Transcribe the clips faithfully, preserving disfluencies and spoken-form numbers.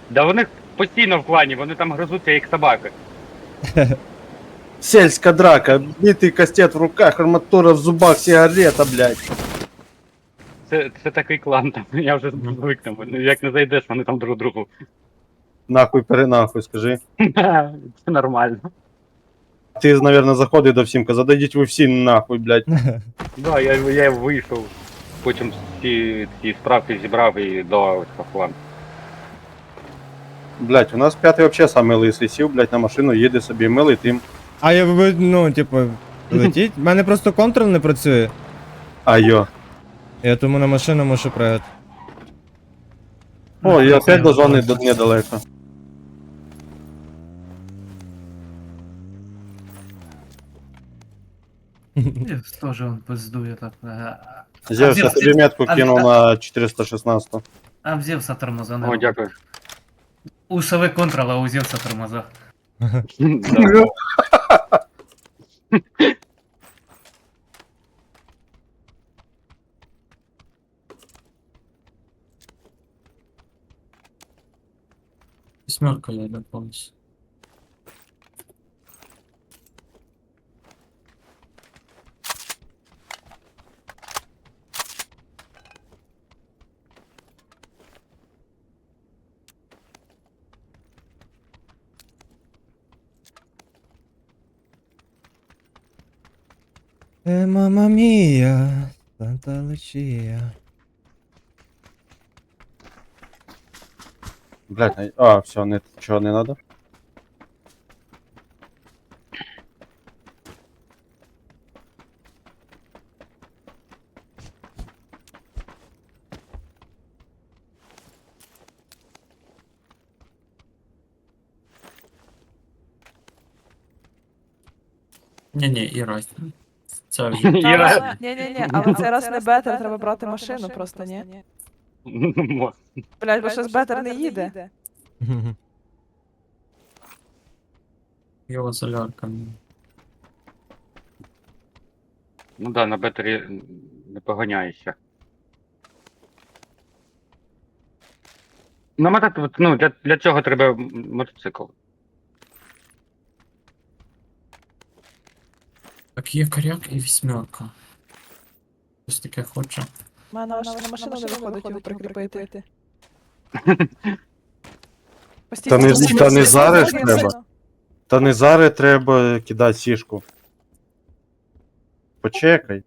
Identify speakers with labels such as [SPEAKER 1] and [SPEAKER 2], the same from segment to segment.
[SPEAKER 1] Да вони постійно в клані, вони там гризуться як собаки.
[SPEAKER 2] Сельская драка, битый кастет в руках, арматура в зубах, сигарета, блядь.
[SPEAKER 1] Це, це такий клан там, я вже звик там. Як не зайдеш, вони там друг другу.
[SPEAKER 2] Нахуй перенахуй, скажи.
[SPEAKER 1] Це нормально.
[SPEAKER 2] Ти, наверное, заходи до всім, казав, дадіть ви всі нахуй, блядь.
[SPEAKER 1] Да, я, я вийшов, потім всі ці справки зібрав і додав в клан.
[SPEAKER 2] Блядь, у нас п'ятий вообще самий лисий сів, блядь, на машину, їде собі милий тим.
[SPEAKER 3] А я ви- ну, типу, летіть. У мене просто контрол не працює.
[SPEAKER 2] А йо.
[SPEAKER 3] Я тому на машину мушу пригати.
[SPEAKER 2] О, і опять до зони до- недалеко.
[SPEAKER 4] Тоже он пиздує так. А,
[SPEAKER 2] Зевс, я
[SPEAKER 4] Зевс,
[SPEAKER 2] тобі метку
[SPEAKER 4] а-
[SPEAKER 2] кинув
[SPEAKER 4] а-
[SPEAKER 2] на чотириста шістнадцять.
[SPEAKER 4] а в Зевса тормоза не
[SPEAKER 1] О,
[SPEAKER 4] робить.
[SPEAKER 1] дякую.
[SPEAKER 4] У Сови контрол, а у Зевса тормоза.
[SPEAKER 1] Да.
[SPEAKER 5] Восьмерка я не повністю.
[SPEAKER 3] Е, мама мія, Санта Лучія.
[SPEAKER 2] Блядь, а, все, не, чого не надо?
[SPEAKER 5] Ні-ні, і раз. Це вже.
[SPEAKER 1] Іра.
[SPEAKER 6] Ні, ні, ні, але цей раз не бетер, треба брати машину просто, ні?
[SPEAKER 1] Мо-
[SPEAKER 6] Блять, бо щось бетер не їде.
[SPEAKER 5] Його солярка.
[SPEAKER 1] Ну да, на бетері не поганяєшся. Ну, мотоцикл, ну, для, для цього треба м- мотоцикл.
[SPEAKER 5] Так, є коряк і вісьмерка. Щось таке хоче.
[SPEAKER 6] У мене аж на машину не виходить його прикріпити.
[SPEAKER 2] Та не-
[SPEAKER 6] Постійно
[SPEAKER 2] та не
[SPEAKER 6] сидить,
[SPEAKER 2] зараз
[SPEAKER 6] сидить,
[SPEAKER 2] треба.
[SPEAKER 6] сидить.
[SPEAKER 2] Та не зараз треба кидати сішку. Почекай.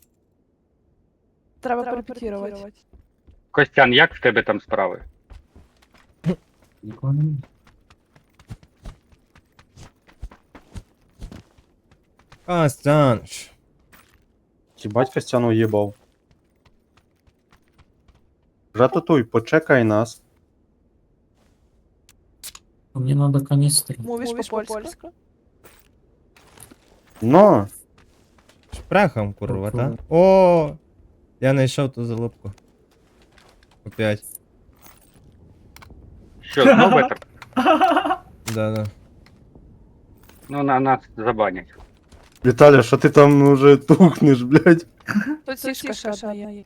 [SPEAKER 6] Треба перепетірувати.
[SPEAKER 1] Костян, як в тебе там справи?
[SPEAKER 5] Нікого немає.
[SPEAKER 3] Костянш.
[SPEAKER 2] Хібать Костян уїбав. Рататуй, почекай нас.
[SPEAKER 5] Мені треба каністри.
[SPEAKER 6] Мовиш по-польську?
[SPEAKER 2] Но,
[SPEAKER 3] Шпрехом, курва, та? О, я знайшов ту залупку. Опять.
[SPEAKER 1] Що, знову бетер?
[SPEAKER 3] Да-да.
[SPEAKER 1] Ну, на нас забанять.
[SPEAKER 2] Віталя, що ти там уже тухнеш, блядь?
[SPEAKER 6] Тут сішка ще одна є.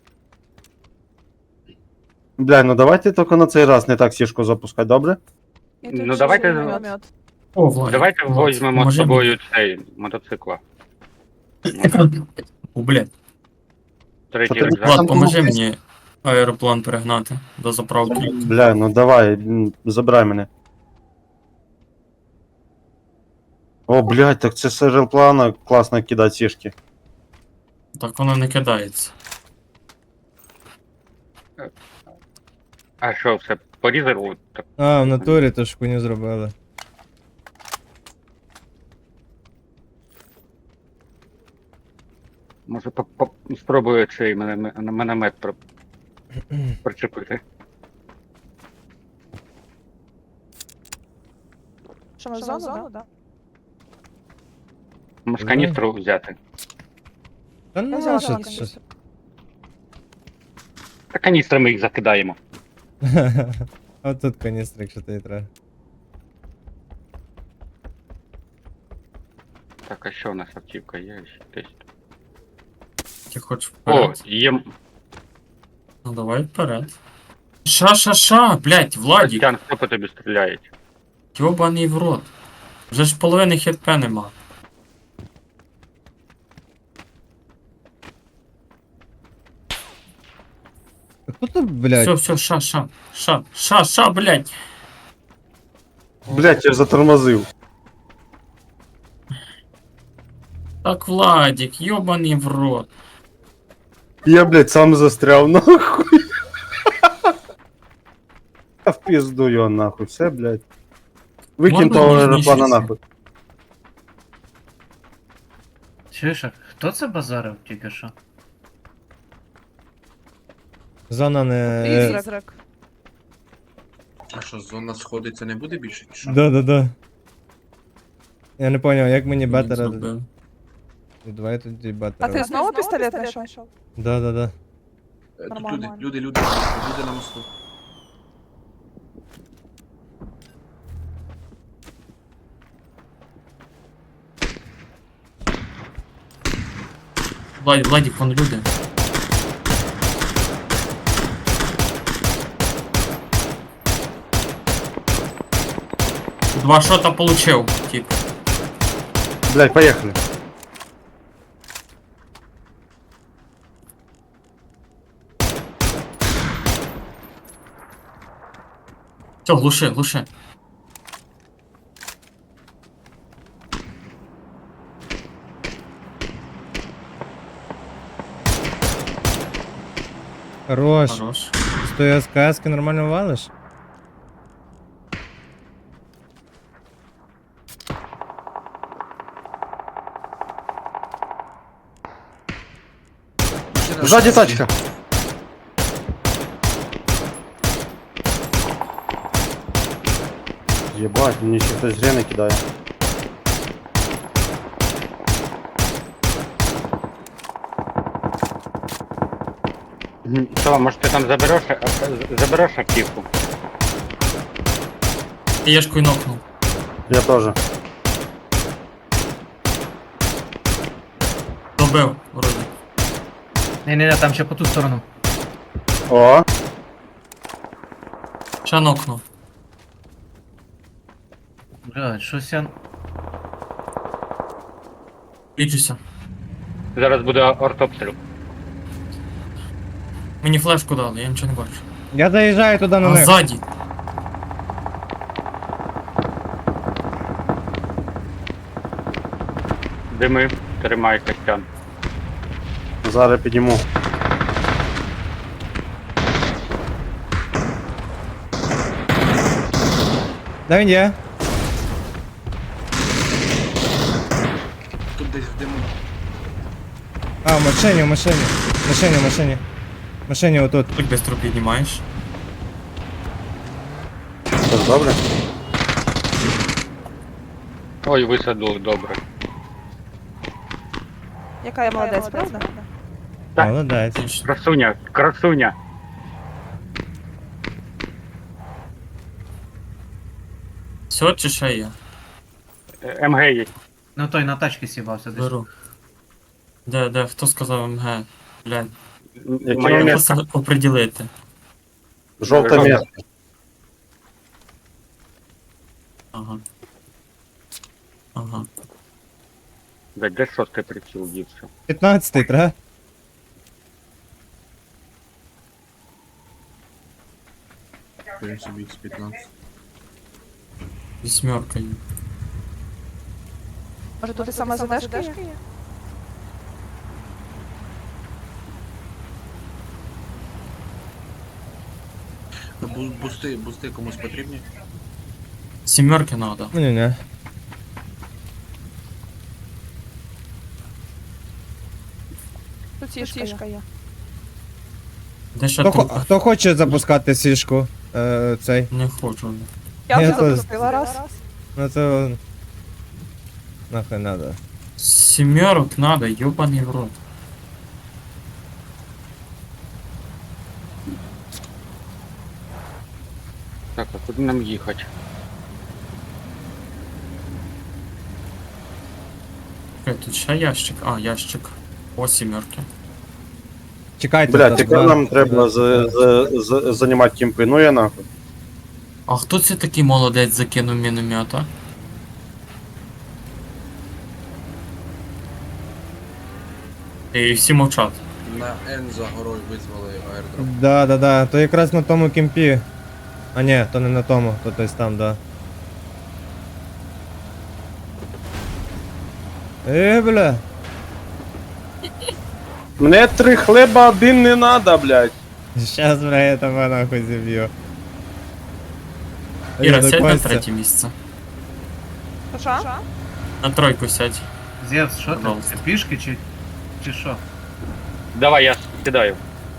[SPEAKER 2] Бля, ну давайте тільки на цей раз не так сішку запускати, добре?
[SPEAKER 6] І тут
[SPEAKER 1] Ну,
[SPEAKER 6] ще
[SPEAKER 1] давайте-
[SPEAKER 6] міномет.
[SPEAKER 5] О, Влад.
[SPEAKER 1] Давайте
[SPEAKER 5] Влад,
[SPEAKER 1] візьмемо з
[SPEAKER 5] поможи
[SPEAKER 1] собою цей мотоцикла.
[SPEAKER 5] мені. О, блядь.
[SPEAKER 1] Третій
[SPEAKER 2] Що ти-
[SPEAKER 1] рюкзак.
[SPEAKER 5] Влад, поможи мені аероплан перегнати до заправки.
[SPEAKER 2] Бля, ну давай, м, забирай мене. О, блядь, так це з аероплана класно кидати сішки.
[SPEAKER 5] Так воно не кидається.
[SPEAKER 1] А що, все порізали? Так,
[SPEAKER 3] А, в натурі то ж хуйню зробили.
[SPEAKER 1] може, по- по- спробую цей мене- міномет при- причепити.
[SPEAKER 6] Що, ми в зону, да?
[SPEAKER 1] Може,
[SPEAKER 3] Мгм.
[SPEAKER 1] каністру взяти.
[SPEAKER 3] Та
[SPEAKER 6] Я
[SPEAKER 3] ну
[SPEAKER 6] взяла
[SPEAKER 3] що,
[SPEAKER 6] каністру.
[SPEAKER 3] що?
[SPEAKER 1] Та каністрами їх закидаємо.
[SPEAKER 3] А тут каністра, якщо тобі треба.
[SPEAKER 1] Так, а що у нас автівка є ще десь?
[SPEAKER 5] Ти хочеш
[SPEAKER 1] О,
[SPEAKER 5] вперед?
[SPEAKER 1] є.
[SPEAKER 5] Ну давай вперед. Ша-ша-ша, блядь, Владік,
[SPEAKER 1] Костян, хто по тобі стріляє?
[SPEAKER 5] йобаний в рот. Вже ж половини хп нема.
[SPEAKER 3] Хто тут, блядь?
[SPEAKER 5] Все, все, ша, ша, ша, ша, ша, блядь.
[SPEAKER 2] Блять, я ж затормозив.
[SPEAKER 5] Так, Владік, йобаний в рот.
[SPEAKER 2] Я, блядь, сам застряв, нахуй. А в пизду його нахуй, все, блядь. Викинь
[SPEAKER 5] Можна
[SPEAKER 2] того
[SPEAKER 5] ніжніше
[SPEAKER 2] аероплана
[SPEAKER 5] це?
[SPEAKER 2] нахуй.
[SPEAKER 4] Чуєш, а хто це базарив тільки що?
[SPEAKER 3] Зона не.
[SPEAKER 6] Призрак.
[SPEAKER 7] А що, зона сходиться не буде більше? чи що?
[SPEAKER 3] Да, да, да. Я не поняв, як мені бетера.
[SPEAKER 5] Зробив.
[SPEAKER 3] Давай тоді
[SPEAKER 6] А
[SPEAKER 3] бетера.
[SPEAKER 6] ти знову пістолет знайшов?
[SPEAKER 3] Да, да, да.
[SPEAKER 7] Е, Тут
[SPEAKER 6] Нормально.
[SPEAKER 7] люди, люди, люди, на мосту, люди на мосту.
[SPEAKER 5] Влад, Владік, вон люди. Два шота получив, тип.
[SPEAKER 2] Блядь, поехали.
[SPEAKER 5] Все, глуши, глуши.
[SPEAKER 3] Хорош.
[SPEAKER 5] Хорош.
[SPEAKER 3] З тої СКС-ки нормально валиш?
[SPEAKER 7] Машина
[SPEAKER 2] Сзади
[SPEAKER 7] сзади.
[SPEAKER 2] тачка. Ебать, мне еще кто-то зря накидает.
[SPEAKER 1] Мгм. Що, може ти там забереш, а- а- забереш автівку?
[SPEAKER 5] Єшкою нокнув.
[SPEAKER 2] Я тоже.
[SPEAKER 5] Добив, вроді.
[SPEAKER 4] Не-не-не, там ще по ту сторону.
[SPEAKER 2] О,
[SPEAKER 5] Ще нокнув.
[SPEAKER 4] Бля, щось я...
[SPEAKER 5] Лічуся.
[SPEAKER 1] Зараз буде артобстріл.
[SPEAKER 5] Мені флешку дали, я нічого не бачу.
[SPEAKER 3] Я заїжджаю туди на
[SPEAKER 5] А
[SPEAKER 3] них.
[SPEAKER 5] ззаді.
[SPEAKER 1] Дими, тримай, Костян.
[SPEAKER 2] зараз підійму.
[SPEAKER 3] Де він є?
[SPEAKER 7] Тут десь в диму.
[SPEAKER 3] А, в машині, в машині. В машині, в машині. В машині отут.
[SPEAKER 5] Так быстро піднімаєш.
[SPEAKER 2] Все ж добре?
[SPEAKER 1] Ой, висадили, добре.
[SPEAKER 6] Яка я молодець, правда?
[SPEAKER 1] Так.
[SPEAKER 3] Молодець.
[SPEAKER 5] Отлично.
[SPEAKER 1] Красуня, красуня.
[SPEAKER 5] Все чи ще є?
[SPEAKER 1] Е, ем ге є.
[SPEAKER 4] Ну той на тачці сібався десь.
[SPEAKER 5] Беру. Де, де, хто сказав МГ? Блядь.
[SPEAKER 2] Яке
[SPEAKER 1] Моє
[SPEAKER 5] Маю
[SPEAKER 2] місце?
[SPEAKER 5] просто оприділити.
[SPEAKER 2] Жовте
[SPEAKER 1] Жовте.
[SPEAKER 2] місце.
[SPEAKER 5] Ага. Ага.
[SPEAKER 1] Де, де шостий приціл дівся?
[SPEAKER 3] п'ятнадцятий, треба?
[SPEAKER 7] Берем собі ікс п'ятнадцять.
[SPEAKER 5] Вісьмерка є.
[SPEAKER 6] Може тут і саме задержка є?
[SPEAKER 7] Бу- Бусти, бусти комусь потрібні?
[SPEAKER 5] Сімерки надо.
[SPEAKER 3] Ну, ні, ні.
[SPEAKER 6] Тут сішка є.
[SPEAKER 5] Де ще
[SPEAKER 3] Хто, хо-
[SPEAKER 5] трупи?
[SPEAKER 3] хто хоче запускати сішку? Е, цей.
[SPEAKER 5] Не хочу.
[SPEAKER 6] Я
[SPEAKER 3] Я
[SPEAKER 6] вже
[SPEAKER 3] теж.
[SPEAKER 6] запустила раз.
[SPEAKER 3] Ну то. Нахуй надо.
[SPEAKER 5] Сімерок надо, ёбаний в рот.
[SPEAKER 1] Так, а куди нам їхати?
[SPEAKER 5] Чекай, тут ще ящик. А, ящик. О, сімерки.
[SPEAKER 3] Чекайте.
[SPEAKER 2] Блядь,
[SPEAKER 3] тут
[SPEAKER 2] тепер
[SPEAKER 3] два-
[SPEAKER 2] нам треба з- з- з- займати кімпи. Ну я нахуй.
[SPEAKER 5] А хто це такий молодець закинув міномета? І всі мовчать.
[SPEAKER 7] На Н за горою визвали аердроп.
[SPEAKER 3] Да, да, да. То якраз на тому кемпі. А ні, то не на тому, то десь там, да. Е, бля.
[SPEAKER 2] Мне три хлеба, один не надо, блядь.
[SPEAKER 3] Щас, бля, я тебе нахуй зіб'ю.
[SPEAKER 5] Іра,
[SPEAKER 3] Ей,
[SPEAKER 5] сядь на
[SPEAKER 3] Костя.
[SPEAKER 5] третє місце.
[SPEAKER 6] Що?
[SPEAKER 5] На тройку сядь.
[SPEAKER 4] Зевс, що ти?
[SPEAKER 5] Пожалуйста.
[SPEAKER 4] Ти пішки чи, чи що?
[SPEAKER 1] Давай, я кидаю.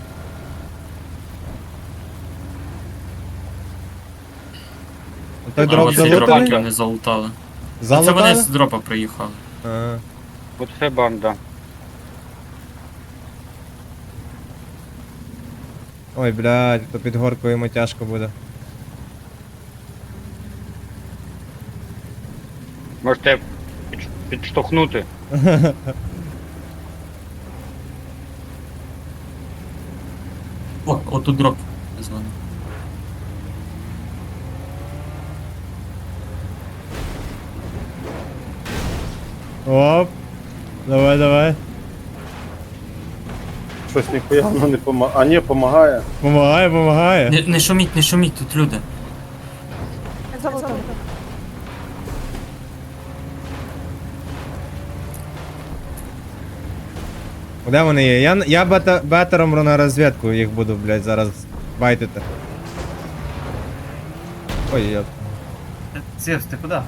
[SPEAKER 3] Той
[SPEAKER 5] А
[SPEAKER 3] дроп
[SPEAKER 5] оці дропи
[SPEAKER 3] залутаний?
[SPEAKER 5] не залутали. Це вони
[SPEAKER 3] Залутали?
[SPEAKER 5] з дропа приїхали.
[SPEAKER 3] А.
[SPEAKER 1] Оце банда.
[SPEAKER 3] Ой, блядь, то під горкою йому тяжко буде.
[SPEAKER 1] Можете підш- підштовхнути.
[SPEAKER 5] О, отут дроп. Звони.
[SPEAKER 3] Оп. Давай, давай.
[SPEAKER 2] Щось ніхуя воно не помагає. А ні, помагає.
[SPEAKER 3] Помагає, помагає.
[SPEAKER 5] Не, не шуміть, не шуміть, тут люди.
[SPEAKER 6] Залутав.
[SPEAKER 3] Де вони є? Я, я бета, бетером на розвідку їх буду, блядь, зараз байтити. Ой, я...
[SPEAKER 4] Е, Зевс, ти куди?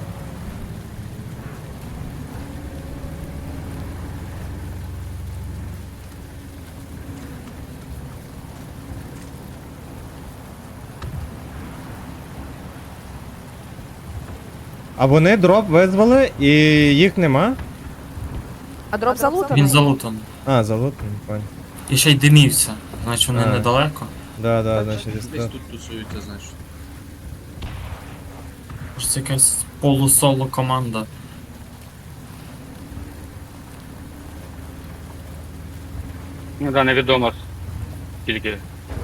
[SPEAKER 3] А вони дроп визвали і їх нема?
[SPEAKER 6] А дроп залутаний?
[SPEAKER 5] Він залутаний.
[SPEAKER 3] А, залутаний, понял.
[SPEAKER 5] І ще й димівся. Значить вони
[SPEAKER 3] А.
[SPEAKER 5] недалеко.
[SPEAKER 3] Да, да, да, через
[SPEAKER 7] Десь
[SPEAKER 3] то.
[SPEAKER 7] тут тусуються, значить.
[SPEAKER 5] Може це якась полусоло команда.
[SPEAKER 1] Ну да, невідомо скільки.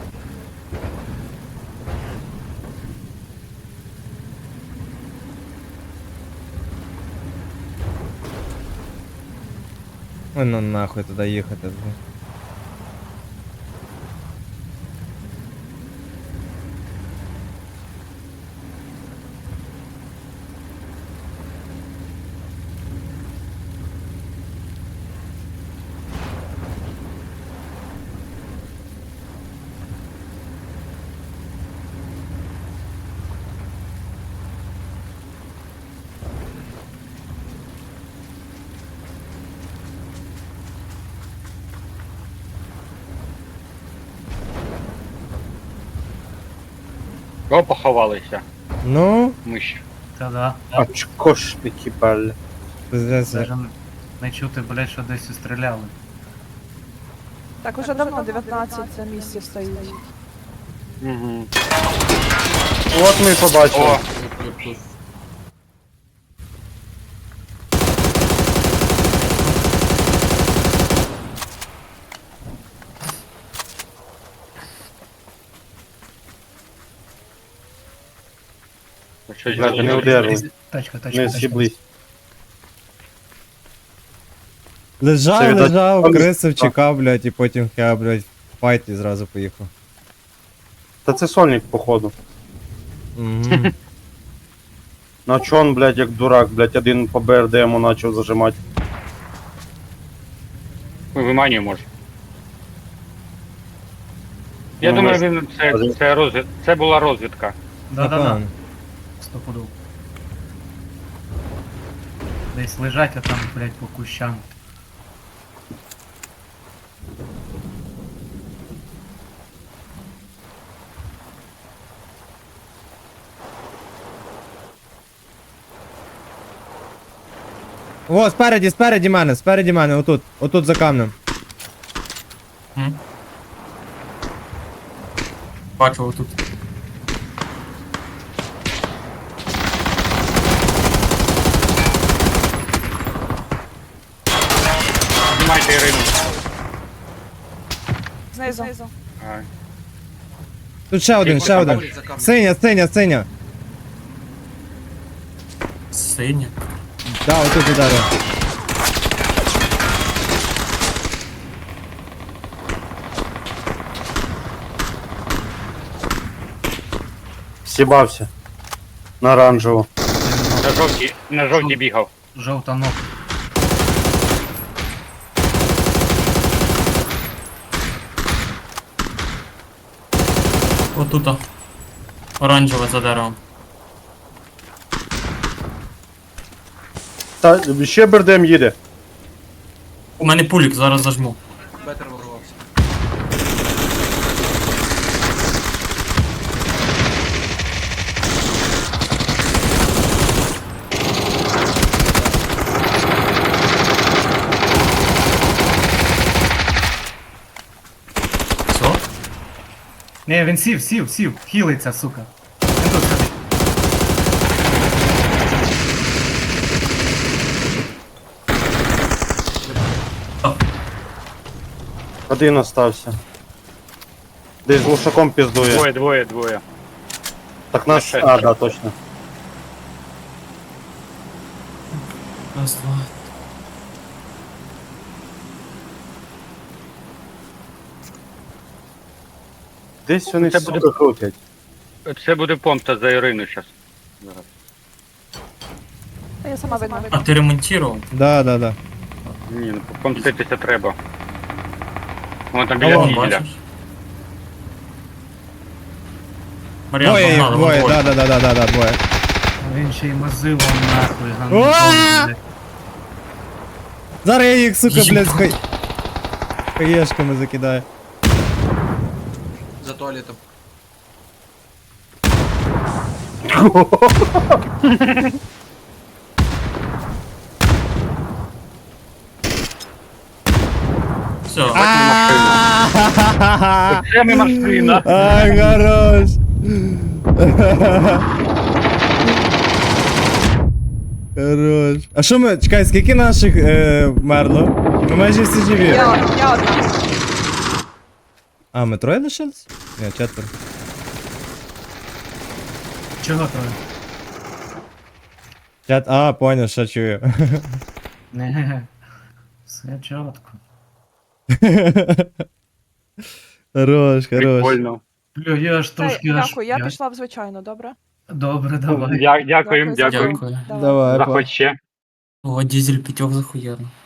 [SPEAKER 3] Ой, ну нахуй туди їхати, блядь.
[SPEAKER 1] О, поховалися.
[SPEAKER 3] Ну,
[SPEAKER 1] Миші.
[SPEAKER 4] Та-да.
[SPEAKER 2] Очкошники, блядь.
[SPEAKER 3] пиздець.
[SPEAKER 4] Даже не чути, блядь, що десь стріляли.
[SPEAKER 6] Так, уже давно дев'ятнадцять на місці стоїть.
[SPEAKER 1] Угу.
[SPEAKER 2] От ми і побачили.
[SPEAKER 1] О,
[SPEAKER 7] Тут, тут, тут.
[SPEAKER 1] щось
[SPEAKER 2] Блядь, не
[SPEAKER 1] зробили.
[SPEAKER 2] удержали.
[SPEAKER 4] Тачка, тачка,
[SPEAKER 2] Не
[SPEAKER 4] тачка.
[SPEAKER 2] з'їблись. Це
[SPEAKER 3] Лежав,
[SPEAKER 2] віддать-
[SPEAKER 3] лежав,
[SPEAKER 2] там-
[SPEAKER 3] крисив, чекав, блядь, і потім я, блядь, в файт і зразу поїхав.
[SPEAKER 2] Та це сольник, походу.
[SPEAKER 3] Угу.
[SPEAKER 2] На чо он, блядь, як дурак, блядь, один по БРД йому почав зажимати.
[SPEAKER 1] Виманює може. Я
[SPEAKER 2] Ну,
[SPEAKER 1] думаю,
[SPEAKER 2] ми-
[SPEAKER 1] він це, це, розвід... це була розвідка.
[SPEAKER 4] Да-да-да.
[SPEAKER 3] Напевно.
[SPEAKER 4] Стопудов. Десь лежать, а там, блядь, по кущам.
[SPEAKER 3] О, спереді, спереді мене, спереді мене, отут, отут за камнем.
[SPEAKER 5] М? Бачу отут.
[SPEAKER 1] Знімайте Ірину.
[SPEAKER 6] Знизу.
[SPEAKER 1] А,
[SPEAKER 3] Тут ще один, ще один.
[SPEAKER 7] За камнем.
[SPEAKER 3] Синя, синя, синя.
[SPEAKER 5] Синя.
[SPEAKER 3] Да, отут ударив.
[SPEAKER 2] Сібався. На оранжеву.
[SPEAKER 1] на жовтій, на жовтій бігав.
[SPEAKER 4] Жовта ног.
[SPEAKER 5] Отута. Оранжева за деревом.
[SPEAKER 2] Та ще бердем їде.
[SPEAKER 5] У мене пулік, зараз зажму.
[SPEAKER 7] Бетер ворвався.
[SPEAKER 5] Все?
[SPEAKER 4] Не, він сів, сів, сів, хілиться, сука. Він тут сидить.
[SPEAKER 2] Один остався. Десь з глушаком піздує.
[SPEAKER 1] Двоє, двоє, двоє.
[SPEAKER 2] Так нас.
[SPEAKER 1] Ще.
[SPEAKER 2] А, да, точно.
[SPEAKER 5] Раз, два.
[SPEAKER 2] Десь вони
[SPEAKER 1] Це
[SPEAKER 2] сука
[SPEAKER 1] буде-
[SPEAKER 2] крутять.
[SPEAKER 1] Це буде помста за Ірину зараз. Зараз.
[SPEAKER 6] Та я сама видно.
[SPEAKER 5] А ти ремонтував?
[SPEAKER 3] Да, да, да.
[SPEAKER 1] Ні, ну помститися треба. Вон там
[SPEAKER 5] А
[SPEAKER 1] біля
[SPEAKER 5] вон,
[SPEAKER 1] дізеля.
[SPEAKER 5] бачиш? Мар'ян,
[SPEAKER 3] Двоє їх,
[SPEAKER 5] погнали, вон
[SPEAKER 3] двоє,
[SPEAKER 5] двоє.
[SPEAKER 3] да, да, да, да, да, двоє.
[SPEAKER 4] Він ще й мазило нахуй,
[SPEAKER 3] Уа!
[SPEAKER 4] гандон.
[SPEAKER 3] Зараз я їх, сука,
[SPEAKER 5] Їжі.
[SPEAKER 3] блядь, хай... хаєшками закидаю.
[SPEAKER 7] За туалетом.
[SPEAKER 5] Все.
[SPEAKER 1] Це ми машина.
[SPEAKER 3] Ай, хорош. Хорош. А що ми, чекай, скільки наших е, вмерло? Ми майже всі живі.
[SPEAKER 6] Я, я одна.
[SPEAKER 3] А, ми троє лишились? Ні, четверо.
[SPEAKER 4] Чого троє?
[SPEAKER 3] Чет... А, понял, що чую.
[SPEAKER 4] Не, все чітко.
[SPEAKER 3] Хорош, хорош.
[SPEAKER 1] Прикольно.
[SPEAKER 4] Бля, я ж
[SPEAKER 6] Та,
[SPEAKER 4] трошки аж...
[SPEAKER 6] дякую, я пішла в звичайно, добре?
[SPEAKER 4] Добре, давай.
[SPEAKER 1] Дя- Дякуємо,
[SPEAKER 6] Дякую за
[SPEAKER 1] дякуємо.
[SPEAKER 5] Дякую.
[SPEAKER 6] Давай.
[SPEAKER 3] Давай,
[SPEAKER 1] Заходь ще.
[SPEAKER 5] О, дизель п'ятьох захуярно.